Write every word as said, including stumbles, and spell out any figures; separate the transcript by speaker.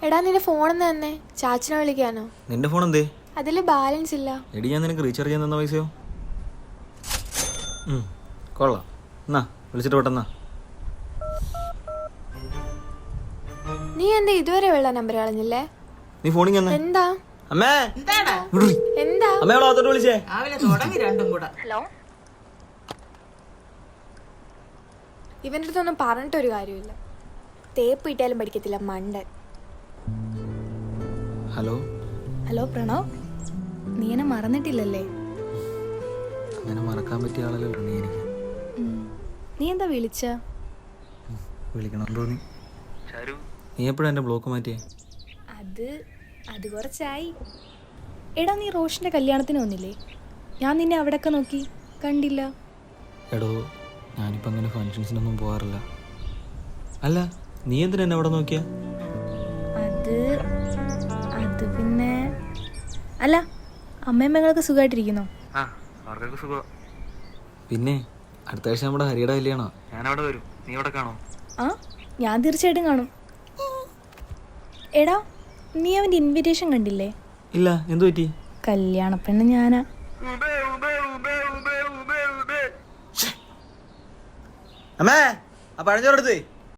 Speaker 1: എടാ നിന്റെ ഫോണെന്ന് തന്നെ ചാച്ചനെ വിളിക്കാനോ?
Speaker 2: നിന്റെ ഫോൺ എന്തേ?
Speaker 1: അതില് ബാലൻസ് ഇല്ല.
Speaker 2: എടി ഞാൻ നിനക്ക് റീചാർജ് ചെയ്യാൻ തന്ന പൈസയോ? കൊള്ളാം, എന്നാ വിളിച്ചിട്ട് പെട്ടെന്നാ.
Speaker 1: നീ എന്താ ഇതുവരെ ഉള്ള നമ്പർ കളഞ്ഞില്ലേ?
Speaker 2: നീ ഫോണിൽ തന്നെ
Speaker 1: എന്താ
Speaker 2: അമ്മേ
Speaker 1: എന്താ
Speaker 2: അമ്മ അവളെ വിളിച്ചേ.
Speaker 1: ഹലോ, ഇവന്റെ അടുത്തൊന്നും പറഞ്ഞിട്ടൊരു കാര്യമില്ല. തേപ്പ് ഇട്ടാലും പഠിക്കത്തില്ല മണ്ടൻ.
Speaker 2: ഹലോ
Speaker 3: ഹലോ പ്രണവ്, നീ എന്നെ മറന്നിട്ടില്ലല്ലേ?
Speaker 2: അങ്ങനെ മറക്കാൻ പറ്റിയ ആളല്ലോ നീ. എനിക്ക്
Speaker 3: നീ എന്താ വിളിച്ച?
Speaker 2: വിളിക്കണം തോന്നി. നീ എപ്പോഴാ എൻ്റെ ബ്ലോക്ക് മാറ്റിയേ?
Speaker 3: അത് അത് കുറച്ചായി. എടാ നീ റോഷന്റെ കല്യാണത്തിന് വന്നില്ലേ? ഞാൻ നിന്നെ അവിടെയൊക്കെ നോക്കി കണ്ടില്ല.
Speaker 2: എടോ ഞാനിപ്പോൾ അങ്ങനെ ഫങ്ഷൻസിനൊന്നും പോകാറില്ല. അല്ല നീ എന്തിനാ എന്നെ അവിടെ നോക്കിയാ?
Speaker 3: അത് അത് പിന്നെ അല്ല, അമ്മയും പെങ്ങളൊക്കെ സുഖമായിട്ടിരിക്കുന്നോ?
Speaker 2: പിന്നെ അടുത്ത ആഴ്ച നമ്മുടെ ഹരിയുടെ കല്യാണോ, ഞാൻ അവിടെ വരും. നീ അവിടെ കാണോ?
Speaker 3: ആ, ഞാൻ തീർച്ചയായിട്ടും കാണും. എടാ നീ അവൻ്റെ ഇൻവിറ്റേഷൻ കണ്ടില്ലേ?
Speaker 2: ഇല്ല, എന്തു പറ്റി?
Speaker 3: കല്യാണ പെണ്ണ് ഞാനാ.
Speaker 2: അമ്മേ ആ പഴഞ്ചോറെടുത്തേ.